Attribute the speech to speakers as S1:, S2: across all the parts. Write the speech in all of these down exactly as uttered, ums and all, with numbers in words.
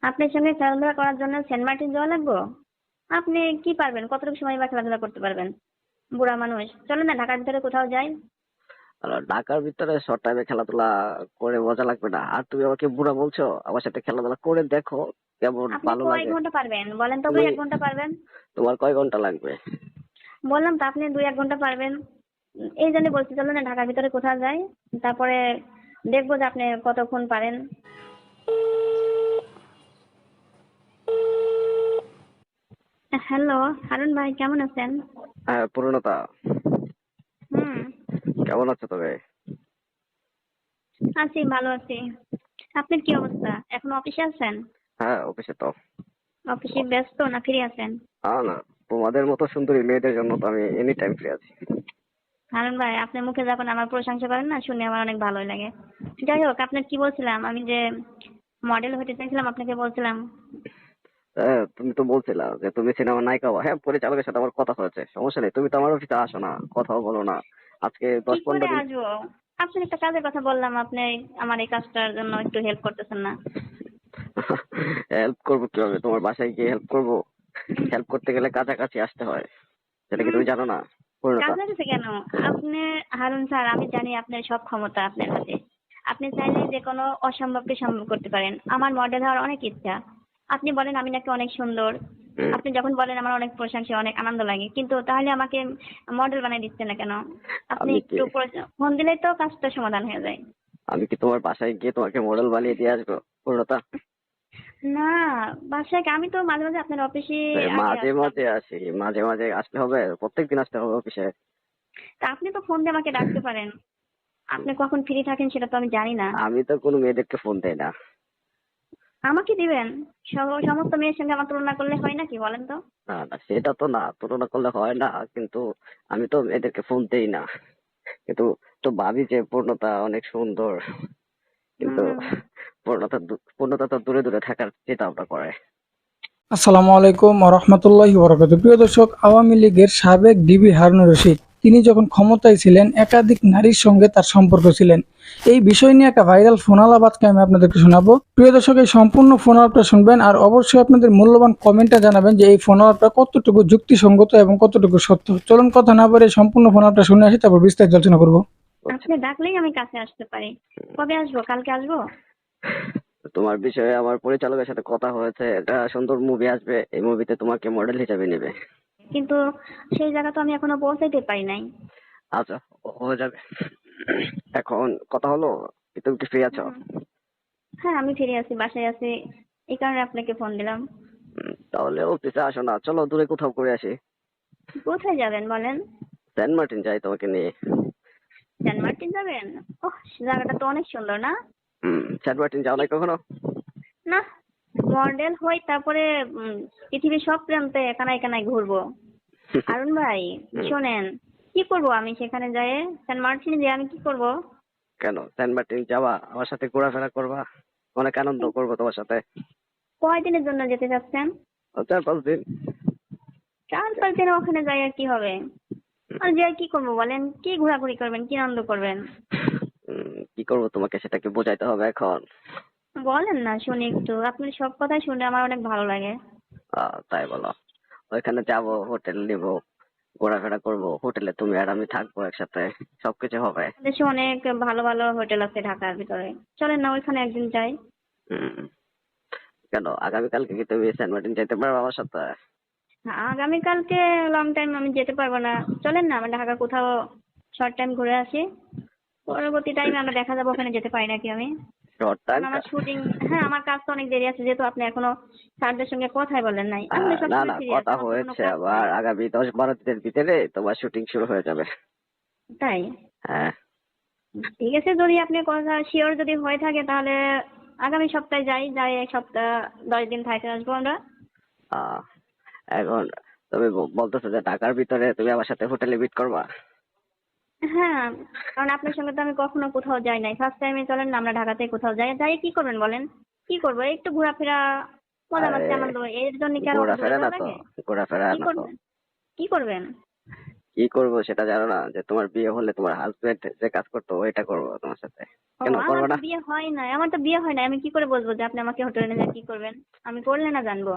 S1: আপনার সঙ্গে খেলাধুলা করার জন্য সেন্ট মার্টিন যাওয়া লাগবে? আপনি কি পারবেন? কতটুকু সময় বা খেলাধুলা করতে পারবেন? বুড়া মানুষ, চলেন না ঢাকার ভিতরে কোথাও যাই।
S2: আর ঢাকার ভিতরে শর্ট টাইমে খেলাধুলা করে মজা লাগবে না। আর তুমি আমাকে বুড়া বলছো, আমার সাথে খেলাধুলা করে দেখো কেমন
S1: আপনি
S2: ভালো
S1: কয়
S2: লাগে।
S1: ঘন্টা পারবেন বলেন তো? দুই
S2: তুমি
S1: এক ঘন্টা পারবেন?
S2: তোমার কয় ঘন্টা লাগবে?
S1: বললাম তো আপনি দুই এক ঘন্টা পারবেন। উম, এই জন্য বলছি চলেন না ঢাকার ভিতরে কোথাও যাই। তারপরে দেখবো যে আপনি কতক্ষণ পারেন। হ্যালো, হারুন ভাই কেমন আছেন?
S2: হ্যাঁ, পূর্ণতা।
S1: হুম,
S2: কেমন আছো তবে?
S1: আছি, ভালো আছি। আপনার কি অবস্থা? এখন অফিসে আছেন?
S2: হ্যাঁ, অফিসে তো।
S1: অফিসে ব্যস্ত না ফ্রি আছেন?
S2: আ না, তোমাদের মতো সুন্দরী মেয়েদের জন্য তো আমি এনি টাইম ফ্রি আছি।
S1: হারুন ভাই, আপনার মুখে যখন আমার প্রশংসা করেন না, শুনে আমার অনেক ভালোই লাগে। যাই হোক, আপনার কি বলছিলাম, আমি যে মডেল হতে চাইছিলাম আপনাকে বলছিলাম।
S2: হ্যাঁ, তুমি তো বলছিলা যে তুমি সিনেমার নায়িকা হবা। হ্যাঁ, পরিচালকের সাথে আমার কথা হয়েছে, সমস্যা নেই। তুমি তো আমার অফিসে আসো না, কথাও বলো না। আজকে
S1: কি
S2: দশ
S1: করে
S2: পনেরো দিন।
S1: আসবো? আপনার একটা কাজের কথা বললাম, আপনি আমার এই কাজটার জন্য একটু হেল্প করতেছেন না।
S2: হেল্প করবো কিভাবে? তোমার বাসায় গিয়ে হেল্প করবো? হেল্প করতে গেলে কাছাকাছি আসতে হয়, সেটা কি
S1: হুম,
S2: তুমি জানো না পূর্ণতা?
S1: কাজে গেছে কেন? আপনি, হারুন স্যার, আমি জানি আপনার সব ক্ষমতা আপনার হাতে। আপনি চাইলে যে কোনো অসম্ভবকে সম্ভব করতে পারেন। আমার মডেল হওয়ার অনেক ইচ্ছা। আপনি বলেন আমি নাকি অনেক সুন্দর।
S2: হুম,
S1: আপনি যখন বলেন আমার অনেক প্রশংসা, অনেক আনন্দ লাগে, কিন্তু তাহলে আমাকে মডেল বানিয়ে দিচ্ছেন না কেন? আপনি
S2: আমি কি
S1: একটু ফোন দিলেই তো কাজটা সমাধান হয়ে যায়।
S2: আমি কি তোমার বাসায় গিয়ে তোমাকে মডেল বানিয়ে দিয়ে আসবো পূর্ণতা?
S1: না, বাসায় আমি তো মাঝে মাঝে আপনার অফিসে
S2: তাই
S1: আগে
S2: মাঝে
S1: আসতাম।
S2: মাঝে আসি, মাঝে মাঝে আসলে হবে? প্রত্যেকদিন আসতে হবে অফিসে?
S1: তা আপনি তো ফোন দিয়ে আমাকে ডাকতে পারেন। আপনি কখন ফ্রি থাকেন সেটা তো আমি জানি না।
S2: আমি তো কোনো মেয়েদেরকে ফোন দেই না।
S1: আমাকে দিবেন? সব- সমস্ত মেয়ের সঙ্গে আমার তুলনা করলে হয় নাকি বলেন তো?
S2: না না, সেটা তো না, তুলনা করলে হয় না, কিন্তু আমি তো এদেরকে ফোন দেই না। কিন্তু তো ভাবি যে পূর্ণতা অনেক সুন্দর, কিন্তু
S1: হুম।
S2: পূর্ণতা দূ- পূর্ণতা তো দূরে দূরে থাকার চিন্তা ভাবনা করে।
S3: আসসালামু আলাইকুম ওয়া রাহমাতুল্লাহি ওয়া বারাকাতুহু। প্রিয় দর্শক, আওয়ামী লীগের সাবেক ডিবি হারুনুর রশিদ তিনি যখন ক্ষমতায় ছিলেন একাধিক নারীর সঙ্গে তার সম্পর্ক ছিলেন। এই বিষয় নিয়ে একটা ভাইরাল ফোনালাপ আজকে আমি আপনাদেরকে শোনাবো। প্রিয় দর্শক, এই সম্পূর্ণ ফোনালাপটা শুনবেন আর অবশ্যই আপনাদের মূল্যবান কমেন্টটা জানাবেন যে এই ফোনালাপটা কতটুকু যুক্তিসঙ্গত এবং কতটুকু সত্য। চলুন কথা না বলে সম্পূর্ণ ফোনালাপটা শুনে আসি, তারপর বিস্তারিত আলোচনা করবো।
S2: বুঝছো?
S1: আপনি ডাকলেই আমি কাছে আসতে পারি। কবে আসবো? কালকে আসবো?
S2: তোমার বিষয়ে আমার পরিচালকের সাথে কথা হয়েছে, একটা সুন্দর মুভি আসবে, এই মুভিতে তোমাকে মডেল হিসেবে নেবে।
S1: কিন্তু সেই জায়গা তো আমি এখনো পৌঁছাইতে পারি নাই।
S2: আচ্ছা, হয়ে যাবে। এখন কথা হলো, কি তুমি কি ফ্রি আছো?
S1: হুম। হ্যাঁ, আমি ফিরে আছি, বাসায় আছি। এই কারণে আপনাকে ফোন দিলাম।
S2: উম, তাহলে অফিসে আসো না, চলো দূরে কোথাও করে আসি।
S1: কোথায় যাবেন বলেন?
S2: সেন্ট মার্টিন যাই তোমাকে নিয়ে।
S1: সেন্ট মার্টিন যাবেন? ওহ, জায়গাটা তো অনেক সুন্দর না?
S2: হুম, সেন্ট মার্টিন যাও
S1: কি
S2: নাই কখনো?
S1: না, মডেল হই তারপরে উম, পৃথিবীর সব প্রান্তে একানায় একানায় ঘুরবো। আরুন ভাই,
S2: হুম,
S1: শোনেন, কি করব আমি সেখানে যেয়ে? সেন্ট মার্টিনে যেয়ে আমি কি করব?
S2: কেন সেন্ট মার্টিন যাবা? আমার সাথে ঘোরাফেরা করবা, অনেক আনন্দ করবো তোমার সাথে।
S1: কয়দিনের জন্য যেতে চাচ্ছেন?
S2: ও, চার পাঁচ দিন।
S1: চার পাঁচ দিনে ওখানে যাই আর কি হবে? আর যে কি করবো বলেন? কি ঘোরাঘুরি করবেন, কি আনন্দ করবেন?
S2: উম, কি করবো তোমাকে সেটা কি বোঝাইতে হবে এখন?
S1: বলেন না শুনি একটু। আপনার সব কথাই শুনে আমার অনেক ভালো লাগে।
S2: আহ, তাই বলো? ওইখানে যাবো, হোটেল নিবো, ঘোরাফেরা করবো, হোটেলে তুমি আর আমি থাকবো একসাথে, সবকিছু হবে।
S1: দেশে অনেক ভালো ভালো হোটেল আছে ঢাকার ভিতরে। চলেন না ওইখানে একদিন যাই।
S2: হম, কেন আগামীকালকে কি তুমি সেন্ট মার্টিন যেতে পারবে আমার সাথে?
S1: আগামীকালকে লং টাইম আমি যেতে পারবো না। চলেন না আমরা ঢাকা কোথাও শর্ট টাইম ঘুরে আসি। পরবর্তী টাইমে আমরা দেখা যাবো ওখানে যেতে পারি নাকি আমি।
S2: Short time?
S1: কারণ আমার শুটিং, হ্যাঁ আমার কাজ তো অনেক দেরি আছে, যেহেতু আপনি এখনো স্যারদের সঙ্গে কথাই বলেন নাই। আমি তো
S2: না
S1: সবসময়
S2: না,
S1: ফ্রি আছি,
S2: কথা
S1: আমার তো কোনো
S2: হয়েছে,
S1: কাজ
S2: আবার
S1: নাই।
S2: আগামী দশ বারো দিনের ভিতরে তোমার শুটিং শুরু হয়ে যাবে।
S1: তাই?
S2: হ্যাঁ।
S1: ঠিক আছে, যদি আপনি কথা শিওর যদি হয়ে থাকে তাহলে আগামী সপ্তাহে যাই, যাই এক সপ্তাহ দশ দিন থাকতে আসবো আমরা।
S2: আহ, এখন তুমি ব- বলতেছো যে ঢাকার ভিতরে তুমি আমার সাথে হোটেলে মিট করবা?
S1: হ্যাঁ, কারণ আপনার সঙ্গে তো আমি কখনো কোথাও যাই নাই, ফার্স্ট টাইমে চলেন না আমরা ঢাকাতে কোথাও যাই। যাই কি করবেন বলেন? কি করবো? এই একটু ঘোরাফেরা, মজা
S2: আরে,
S1: মাস্তি, আনন্দ, এর জন্য কি আর অত দূরে
S2: ঘোরাফেরা না
S1: যাওয়া
S2: তো,
S1: লাগে?
S2: ঘোরাফেরা
S1: কি
S2: না তো।
S1: করবেন? কি করবেন?
S2: কি করবো সেটা জানো না? যে তোমার বিয়ে হলে তোমার হাজবেন্ড যে কাজ করতো ওইটা করবো তোমার সাথে।
S1: ও
S2: কেন
S1: আমার
S2: করবো
S1: তো
S2: না?
S1: বিয়ে হয় নাই, আমার তো বিয়ে হয় নাই, আমি কি করে বলবো যে আপনি আমাকে হোটেলে নিয়ে যেয়ে কি করবেন? আমি করলে না জানবো।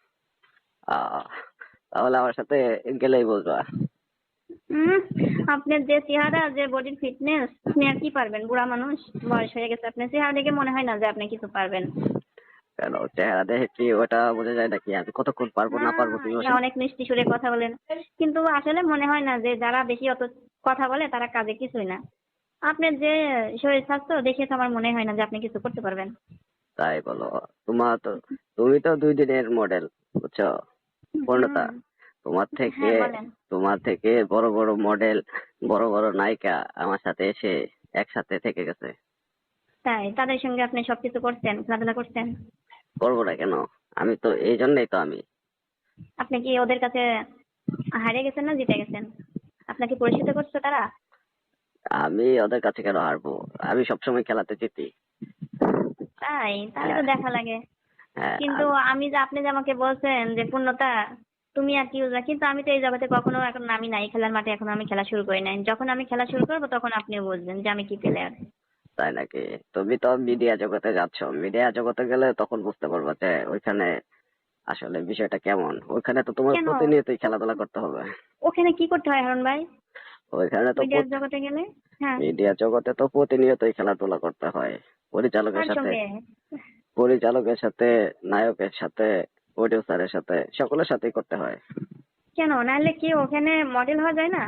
S2: আহ তাহলে আমার সাথে গেলেই বুঝবা।
S1: হুম, আপনার যে চেহারা, যে বডির ফিটনেস, আপনি আর কি পারবেন? বুড়া মানুষ, বয়স হয়ে গেছে, আপনার চেহারা দেখে মনে হয় না যে আপনি কিছু পারবেন।
S2: কেন চেহারা দেখে কি ওটা বোঝা যায় নাকি আমি কতক্ষণ পারবো
S1: না,
S2: না পারবো তুমি
S1: ইয়া
S2: বসে?
S1: অনেক মিষ্টি সুরে কথা বলেন, কিন্তু আসলে মনে হয় না যে যারা বেশি অত কথা বলে তারা কাজে কিছুই না। আপনার যে শরীর স্বাস্থ্য দেখে তো আমার মনে হয় না যে আপনি কিছু করতে পারবেন।
S2: তাই বলো? তোমার তো তুমি তো দুই দিনের মডেল, বুঝছো? পূর্ণতা,
S1: হুম।
S2: তোমার থেকে
S1: হ্যাঁ বলেন।
S2: তোমার থেকে বড় বড় মডেল, বড় বড় নায়িকা আমার সাথে এসে একসাথে থেকে গেছে।
S1: তাই তাদের সঙ্গে আপনি সবকিছু করছেন, খেলাধুলা করছেন?
S2: করবো না কেন? আমি তো এই জন্যই তো আমি
S1: আপনি কি ওদের কাছে হারিয়ে গেছেন না জিতে গেছেন? আপনাকে পরিচিত করছে তারা?
S2: আমি ওদের কাছে কেন হারবো? আমি সবসময় খেলাতে জিতি।
S1: তাই তাহলে
S2: হ্যাঁ,
S1: তো দেখা লাগে।
S2: হ্যাঁ,
S1: কিন্তু
S2: আমি-
S1: আমি যে আপনি যে আমাকে বলছেন যে পূর্ণতা তুমি আর কি বুঝবা, কিন্তু আমি তো এই জগতে কখনো এখন নামি নাই খেলার মাঠে, এখনো আমি খেলা শুরু করি নাই। যখন আমি খেলা শুরু করবো তখন আপনিও বুঝবেন যে আমি কি প্লেয়ার।
S2: তাই নাকি? তুমি তো মিডিয়া জগতে যাচ্ছ, মিডিয়া জগতে গেলে তখন বুঝতে পারবে যে ওইখানে আসলে বিষয়টা কেমন। ওইখানে তো তোমার
S1: কেন?
S2: প্রতিনিয়তই খেলাধুলা করতে হবে।
S1: ওখানে কি করতে হয় হারুন ভাই,
S2: ওইখানে তো
S1: মিডিয়ার জগতে গেলে? হ্যাঁ।
S2: মিডিয়া জগতে তো প্রতিনিয়তই খেলাধুলা করতে হয়, পরিচালকের
S1: কার
S2: সাথে,
S1: সঙ্গে?
S2: পরিচালকের সাথে, নায়কের সাথে, প্রডিউসারের সাথে, সকলের সাথেই করতে হয়।
S1: কেন নাহলে কি ওখানে মডেল হওয়া যায় না?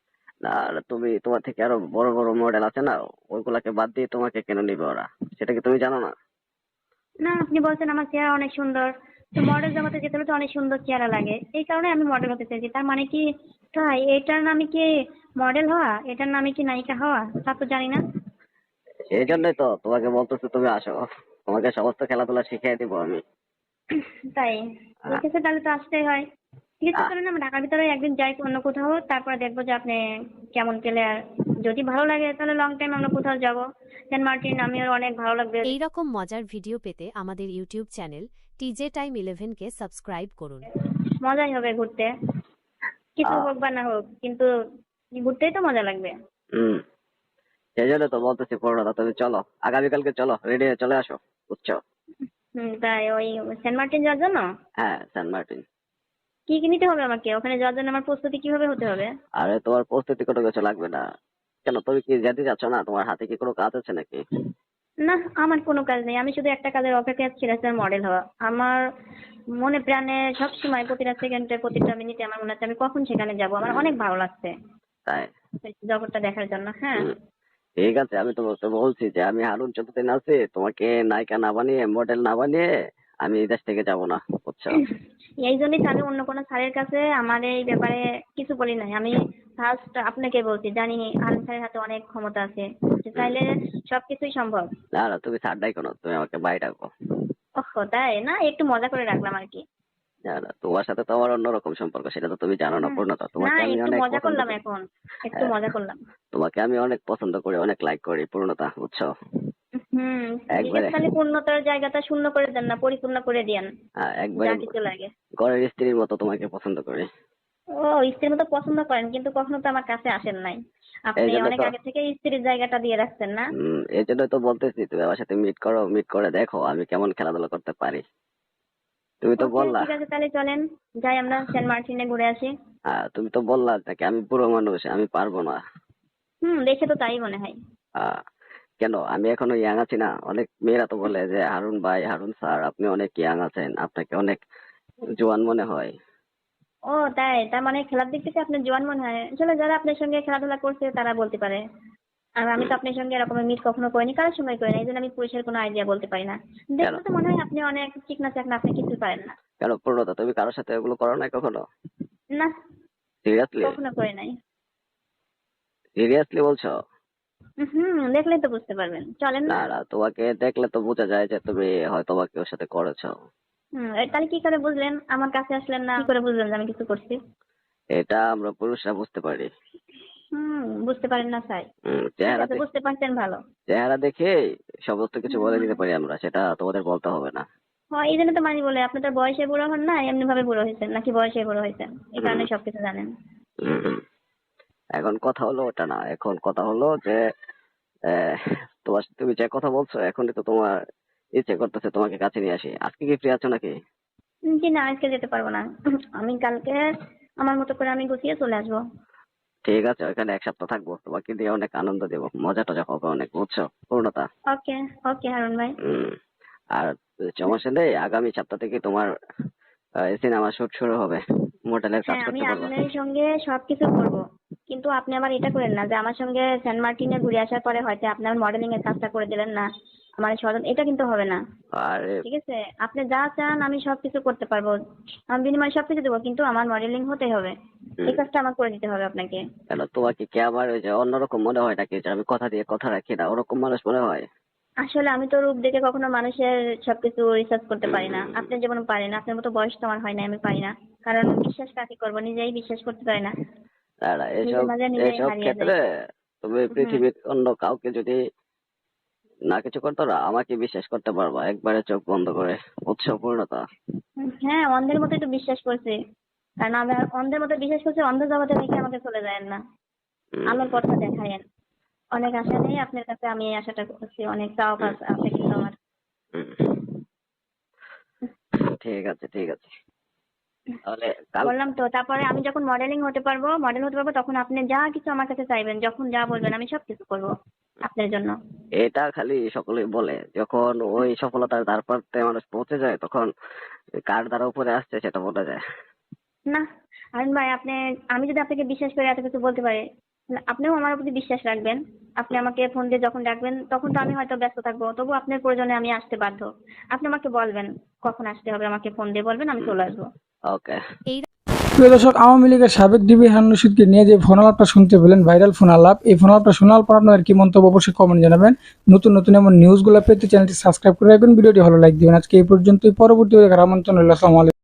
S2: আর তুমি তোমার থেকে আরো বড় বড় মডেল আছে না, ওইগুলাকে বাদ দিয়ে তোমাকে কেন নিবে ওরা? সেটা কি তুমি জানো না?
S1: না, আপনি বলছেন আমার চেহারা অনেক সুন্দর, তো মডেল জগতে যেতে হলে তো অনেক সুন্দর চেহারা লাগে, এই কারণে আমি মডেল হতে চাইছি। তার মানে কি তাই এটার নামে কি মডেল হওয়া, এটার নামে কি নায়িকা হওয়া, তা তো জানি না।
S2: সেই জন্যই তো তোমাকে বলতেছি তুমি আসো, তোমাকে সমস্ত খেলাধুলা শিখিয়ে দিব আমি।
S1: তাই?
S2: আহ,
S1: ঠিক আছে, তাহলে তো আসতেই হয়। ঠিক আছে,
S2: আহ,
S1: চলুন আমরা ঢাকার ভিতরে একদিন যাই অন্য কোথাও, তারপরে দেখবো যে আপনি কেমন প্লেয়ার। যদি ভালো লাগে তাহলে লং টাইম আমরা কোথাও যাবো, সেন্ট মার্টিন, আমিও অনেক ভালো লাগবে।
S4: এই রকম মজার ভিডিও পেতে আমাদের YouTube channel TJ time eleven কে সাবস্ক্রাইব করুন।
S1: মজাই হবে ঘুরতে, কিছু
S2: আহ,
S1: হোক বা না হোক, কিন্তু ঘুরতেই তো মজা লাগবে।
S2: হম, সেই জন্য তো বলতেছি পূর্ণতা তুমি চলো, আগামীকালকে চলো, রেডি হয়ে চলে আসো, বুঝছো?
S1: হুম, তাই ওই সেন্ট মার্টিন যাওয়ার জন্য
S2: হ্যাঁ, সেন্ট মার্টিন।
S1: কি কি নিতে হবে আমাকে? ওখানে যাওয়ার জন্য আমার প্রস্তুতি কিভাবে হতে হবে?
S2: আরে তোমার প্রস্তুতি কোনো কিছু লাগবে না। কেন তুমি কি যেতে চাচ্ছ না? তোমার হাতে কি কোনো কাজ আছে নাকি?
S1: না, আমার কোনো কাজ নেই, আমি শুধু একটা কাজের অপেক্ষায় ছিল, স্যার, মডেল হওয়া। আমার মনে প্রাণে সবসময় প্রতিটা সেকেন্ডে প্রতিটা মিনিটে আমার মনে হচ্ছে আমি কখন সেখানে যাব, আমার অনেক ভালো লাগছে
S2: তাই?
S1: এই জগৎটা দেখার জন্য। হ্যাঁ।
S2: হুম, ঠিক আছে, আমি তোমাকে বলছি যে আমি হারুন যতদিন আছি তোমাকে নায়িকা না বানিয়ে, মডেল না বানিয়ে আমি এই দেশ থেকে যাব না, বুঝছো?
S1: এই জন্যই তো আমি অন্য কোনো স্যারের কাছে আমার এই ব্যাপারে কিছু বলি নাই। আমি ফার্স্ট আপনাকে বলছি, জানি আনন্দ স্যারের হাতে অনেক ক্ষমতা আছে, সে
S2: হুম,
S1: চাইলে সবকিছুই সম্ভব।
S2: না না, তুমি ছাড় ডাই কেন, তুমি আমাকে বাই ডাকো।
S1: ওহ, তাই না? একটু মজা করে রাখলাম আর কি।
S2: না না, তোমার সাথে তো আমার অন্যরকম সম্পর্ক, সেটা তো তুমি জানো না
S1: হুম,
S2: পূর্ণতা।
S1: না,
S2: তোমাকে আমি
S1: একটু
S2: অনেক
S1: মজা
S2: পছন্দ
S1: করলাম
S2: করি।
S1: এখন, একটু
S2: হ্যাঁ,
S1: মজা করলাম।
S2: তোমাকে আমি অনেক পছন্দ করি, অনেক লাইক করি পূর্ণতা, বুঝছো?
S1: হুম। ঠিক আছে,
S2: একবারে,
S1: তাহলে পূর্ণতার জায়গাটা শূন্য করে দেন না, পরিপূর্ণ করে দিয়েন
S2: হ্যাঁ, একবারে
S1: যা কিছু লাগে।
S2: ঘরের স্ত্রীর মতো তোমাকে পছন্দ করি।
S1: ও, স্ত্রীর মতো পছন্দ করেন, কিন্তু কখনো তো আমার কাছে আসেন নাই।
S2: এই
S1: আপনি
S2: জন্য
S1: অনেক
S2: তো
S1: আগে থেকে স্ত্রীর জায়গাটা দিয়ে রাখছেন না?
S2: হম, এই জন্য তো বলতেছি তুমি আমার সাথে মিট করো, মিট করে দেখো আমি কেমন খেলাধুলা করতে পারি। তুমি তো
S1: ওকে,
S2: বললা,
S1: ঠিক আছে, তাহলে চলেন যাই আমরা সেন্ট মার্টিনে ঘুরে আসি।
S2: হ্যাঁ, তুমি তো বললা নাকি আমি বুড়ো মানুষ, আমি পারবো না।
S1: হুম, দেখে তো তাই মনে হয়।
S2: আহ, কেন, আমি এখনো ইয়াং আছি না? অনেক মেয়েরা তো বলে যে হারুন ভাই, হারুন স্যার, আপনি অনেক ইয়াং আছেন, আপনাকে অনেক জোয়ান মনে হয়।
S1: ও তাই? তার মানে খেলার দিক থেকে আপনার জোয়ান মনে হয়? আসলে যারা আপনার সঙ্গে খেলাধুলা করছে তারা বলতে পারে। আর আমি তো আপনার সঙ্গে এরকম মিট কখনো করিনি, কারোর সঙ্গে করি না, এই জন্য আমি পুরুষের কোনো আইডিয়া বলতে পারি না।
S2: কেন?
S1: দেখলে তো মনে হয় আপনি অনেক চিকনা চাকনা, আপনি কিছুই পারেন না।
S2: কেন পূর্ণতা, তুমি কারোর সাথে এগুলো করো না কখনো?
S1: না,
S2: সিরিয়াসলি?
S1: কখনো করি নাই।
S2: সিরিয়াসলি বলছো?
S1: হুম, দেখলেই তো বুঝতে পারবেন, চলেন
S2: না
S1: না।
S2: না, তোমাকে দেখলে তো বোঝা যায় যে তুমি হয়তো বা কেউ সাথে করেছো।
S1: হুম, এ তাহলে কি করে বুঝলেন? আমার কাছে আসলেন না, কি করে বুঝলেন যে আমি কিছু করছি?
S2: এটা আমরা পুরুষরা বুঝতে পারি।
S1: হুম, বুঝতে পারেন না স্যার?
S2: হুম,
S1: ঠিক
S2: চেহারা
S1: আছে,
S2: দেখে,
S1: বুঝতে পারছেন ভালো।
S2: চেহারা দেখে সমস্ত কিছু বলে
S1: হুম,
S2: দিতে পারি আমরা, সেটা তোমাদের বলতে হবে না।
S1: হয়, এই জন্য তো মানি বলে আপনি তো বয়সে বুড়ো হন না, এমনি ভাবে বুড়ো হয়েছেন, নাকি বয়সে বুড়ো হয়েছেন, এই
S2: হুম,
S1: কারণে সবকিছু জানেন।
S2: হুম, হুম। এখন কথা হলো ওটা না, এখন কথা হলো যে আহ, তোমার তুমি যে কথা বলছো এখনই তো তোমার ইচ্ছে করতেছে তোমাকে কাছে নিয়ে আসি। আজকে কি ফ্রি আছো নাকি?
S1: উম, কি না, আজকে যেতে পারবো না। আমি কালকে আমার মতো করে আমি গুছিয়ে চলে আসবো।
S2: ঠিক আছে, ওইখানে এক সপ্তাহ থাকবো, তোমাকে দিয়ে অনেক আনন্দ দেবো, মজা টজা হবে অনেক, বুঝছো পূর্ণতা?
S1: ওকে ওকে হারুন ভাই।
S2: হম। আর সমস্যা নেই, আগামী সপ্তাহ থেকে তোমার সিনেমা শুট শুরু হবে, মডেলের কাজ
S1: হ্যাঁ, আমি
S2: করতে পারবা।
S1: আপনার সঙ্গে সবকিছু করব, কিন্তু আপনি আবার এটা করেন না যে আমার সঙ্গে সেন্ট মার্টিনে ঘুরে আসার পরে হয়তো আপনার মডেলিং এর কাজটা করে দিলেন না আমার স্বজন, এটা কিন্তু হবে না।
S2: আর
S1: ঠিক আছে, আপনি যা চান আমি সবকিছু করতে পারবো, আমি বিনিময়ে সবকিছু দেবো, কিন্তু আমার মডেলিং হতে হবে, এই
S2: হুম,
S1: কাজটা আমার করে দিতে হবে আপনাকে।
S2: কেন তোমাকে কি আমার ওই যে অন্যরকম মনে হয় নাকি, যে আমি কথা দিয়ে কথা রাখি না, ওরকম মানুষ মনে হয়?
S1: আসলে আমি তো রূপ দেখে কখনো মানুষের সবকিছু রিসার্চ করতে পারি না,
S2: হুম,
S1: আপনি যেমন পারেন, আপনার মতো বয়স তো আমার হয় না, আমি পারি না, কারণ বিশ্বাস কাকে করবো, নিজেই বিশ্বাস করতে পারি না,
S2: আর
S1: নিজের
S2: এসব
S1: মাঝে নিজেই
S2: এসব
S1: হারিয়ে যাই।
S2: ক্ষেত্রে তুমি
S1: হুম।
S2: পৃথিবীর অন্য কাউকে যদি না কিছু করতো না, আমাকে বিশ্বাস করতে পারবা একবারে চোখ বন্ধ করে, বুঝছো পূর্ণতা?
S1: হুম, হ্যাঁ, অন্ধের মতোই তো বিশ্বাস করছি, কারণ আমি আর অন্ধের মতো বিশ্বাস করছি, অন্ধ জগতে রেখে আমাকে চলে যায় না,
S2: হুম,
S1: আলোর পথটা দেখায়েন। অনেক আশা নেই আপনার কাছে, আমি এই আশাটা করছি, অনেক চাওয়া
S2: হুম,
S1: পাওয়া আছে কিন্তু আমার।
S2: হুম। ঠিক আছে, ঠিক আছে, তাহলে কাল।
S1: বললাম তো, তারপরে আমি যখন মডেলিং হতে পারবো, মডেল হতে পারবো, তখন আপনি যা কিছু আমার কাছে চাইবেন, যখন যা বলবেন আমি সব কিছু করবো আপনার জন্য।
S2: এটা খালি সকলেই বলে, যখন ওই সফলতার দ্বার প্রান্তে মানুষ পৌঁছে যায় তখন কার দ্বারা উপরে আসছে সেটা বোঝা যায়।
S1: না আরুন ভাই, আপনি, আমি যদি আপনাকে বিশ্বাস করে এত কিছু বলতে পারি, তাহলে আপনিও আমার প্রতি বিশ্বাস রাখবেন। আপনি আমাকে ফোন দিয়ে যখন ডাকবেন তখন তো আমি হয়তো ব্যস্ত থাকবো, তবু আপনার প্রয়োজনে আমি আসতে বাধ্য। আপনি আমাকে বলবেন কখন আসতে হবে, আমাকে ফোন দিয়ে বলবেন, আমি চলে আসবো।
S2: ওকে।
S4: এই
S3: প্রিয় দর্শক, আওয়ামী লীগের সাবেক ডিবি হারুন রশিদকে নিয়ে যে ফোন আলাপটা শুনতে পেলেন, ভাইরাল ফোন আলাপ, এই ফোন আলাপটা শোনার পর আপনাদের কি মন্তব্য অবশ্যই কমেন্ট জানাবেন। নতুন নতুন এমন নিউজগুলো পেতে চ্যানেলটি সাবস্ক্রাইব করে রাখবেন, ভিডিওটি ভালো লাইক দিবেন। আজকে এই পর্যন্তই, পরবর্তী দেখার আমন্ত্রণ রইল। আসসালামু আলাইকুম।